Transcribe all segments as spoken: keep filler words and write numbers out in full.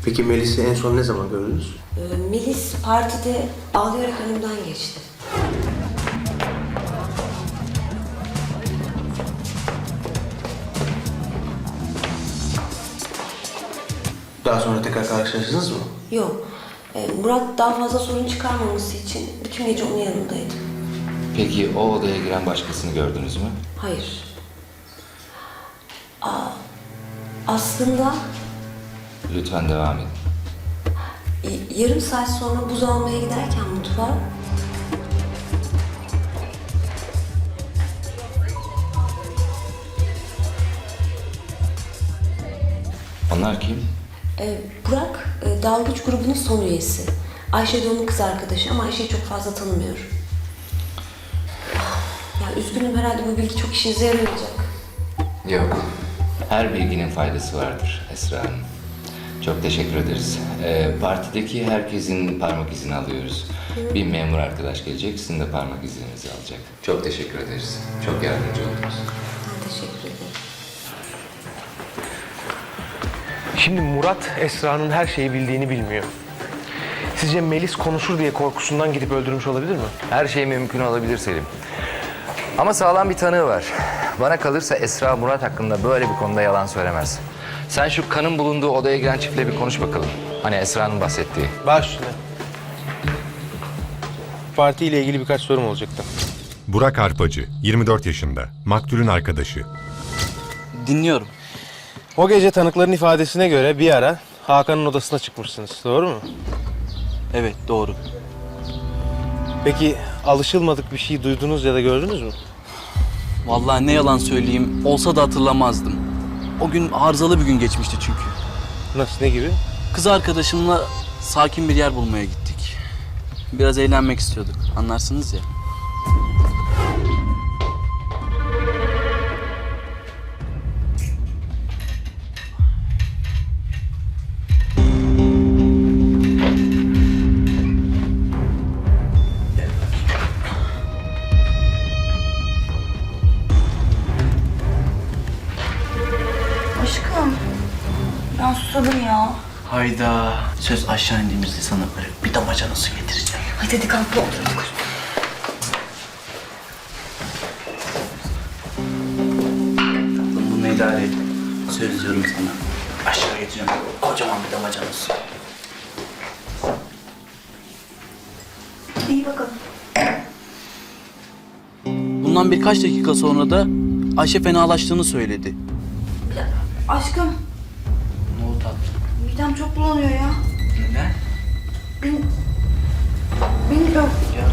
Peki Melis'i en son ne zaman gördünüz? Ee, Melis partide ağlayarak önümden geçti. Daha sonra tekrar karşılaştınız mı? Yok. Ee, Murat daha fazla sorun çıkarmaması için bütün gece onun yanındaydı. Peki o odaya giren başkasını gördünüz mü? Hayır. Aa, aslında Lütfen devam edin. y- yarım saat sonra buz almaya giderken mutfağa Onlar kim? e, Burak e, dalgıç grubunun son üyesi. Ayşe de onun kız arkadaşı ama Ayşe'yi çok fazla tanımıyorum. Ya üzgünüm, herhalde bu bilgi çok işinize yaramayacak. Yok. Her bilginin faydası vardır Esra Hanım. Çok teşekkür ederiz. Ee, partideki herkesin parmak izini alıyoruz. Bir memur arkadaş gelecek, sizin de parmak izinizi alacak. Çok teşekkür ederiz. Çok yardımcı oldunuz. Ben teşekkür ederim. Şimdi Murat, Esra'nın her şeyi bildiğini bilmiyor. Sizce Melis konuşur diye korkusundan gidip öldürmüş olabilir mi? Her şey mümkün olabilir Selim. Ama sağlam bir tanığı var. Bana kalırsa Esra Murat hakkında böyle bir konuda yalan söylemez. Sen şu kanın bulunduğu odaya giren çiftle bir konuş bakalım. Hani Esra'nın bahsettiği. Baş üstüne. Partiyle ilgili birkaç sorum olacaktı. Burak Arpacı, yirmi dört yaşında, maktulün arkadaşı. Dinliyorum. O gece tanıkların ifadesine göre bir ara Hakan'ın odasına çıkmışsınız, doğru mu? Evet, doğru. Peki alışılmadık bir şey duydunuz ya da gördünüz mü? Vallahi ne yalan söyleyeyim, olsa da hatırlamazdım. O gün arızalı bir gün geçmişti çünkü. Nasıl, ne gibi? Kız arkadaşımla sakin bir yer bulmaya gittik. Biraz eğlenmek istiyorduk, anlarsınız ya. Aşkım, ben susadım ya. Hayda, söz aşağı indiğimizde sana böyle bir damacana su getireceğim. Hadi hadi kalk, otur. Tatlım, bunu idare et. Söz diyorum sana. Aşağı getireceğim, kocaman bir damacana su. İyi bakalım. Bundan birkaç dakika sonra da Ayşe fenalaştığını söyledi. Ya, aşkım, Ne oldu tatlım? midem çok bulanıyor ya. Neden? Bin... Bilmiyorum.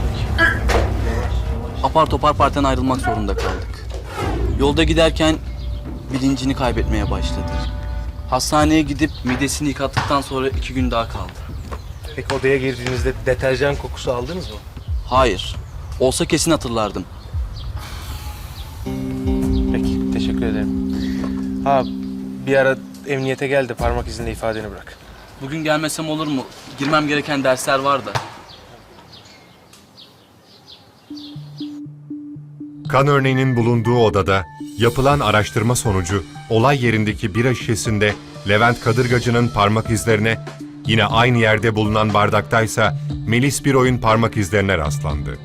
Apar topar partiden ayrılmak zorunda kaldık. Yolda giderken bilincini kaybetmeye başladı. Hastaneye gidip midesini yıkattıktan sonra iki gün daha kaldı. Peki odaya girdiğinizde deterjan kokusu aldınız mı? Hayır. Olsa kesin hatırlardım. Peki, teşekkür ederim. Ha, bir ara emniyete gel de parmak izinde ifadeni bırak. Bugün gelmesem olur mu? Girmem gereken dersler var da. Kan örneğinin bulunduğu odada yapılan araştırma sonucu olay yerindeki bira şişesinde Levent Kadırgacı'nın parmak izlerine, yine aynı yerde bulunan bardaktaysa Melis Biroy'un parmak izlerine rastlandı.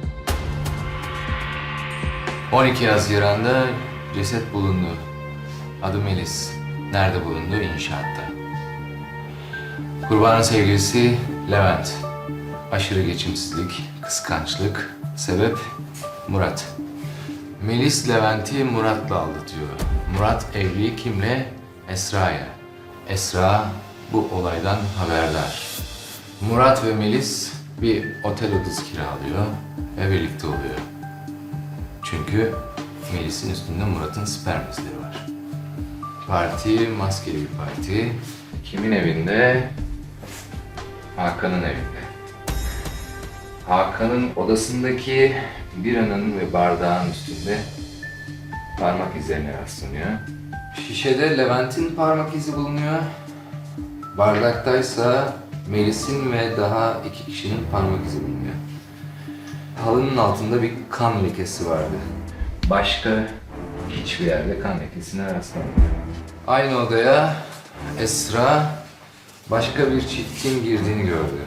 on iki Haziran'da ceset bulundu. Adı Melis. Nerede bulundu? İnşaatta. Kurbanın sevgilisi Levent. Aşırı geçimsizlik, kıskançlık. Sebep Murat. Melis Levent'i Murat'la aldatıyor. Murat evli kimle? Esra'ya. Esra bu olaydan haberdar. Murat ve Melis bir otel odası kiralıyor ve birlikte oluyor. Çünkü Melis'in üstünde Murat'ın sperm izleri var. Parti maskeli bir parti. Kimin evinde? Hakan'ın evinde. Hakan'ın odasındaki biranın ve bardağın üstünde parmak izlerine rastlanıyor. Şişede Levent'in parmak izi bulunuyor. Bardaktaysa Melis'in ve daha iki kişinin parmak izi bulunuyor. Halının altında bir kan lekesi vardı. Başka hiçbir yerde kan lekesine rastlanmadı. Aynı odaya Esra başka bir çiftin girdiğini gördü.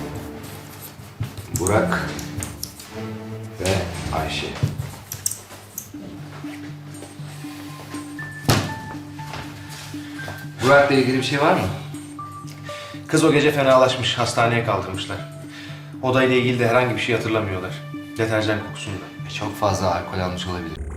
Burak ve Ayşe. Burak'la ilgili bir şey var mı? Kız o gece fenalaşmış, hastaneye kaldırmışlar. Odayla ilgili de herhangi bir şey hatırlamıyorlar. Deterjan kokusunda. Çok fazla alkol almış olabilir.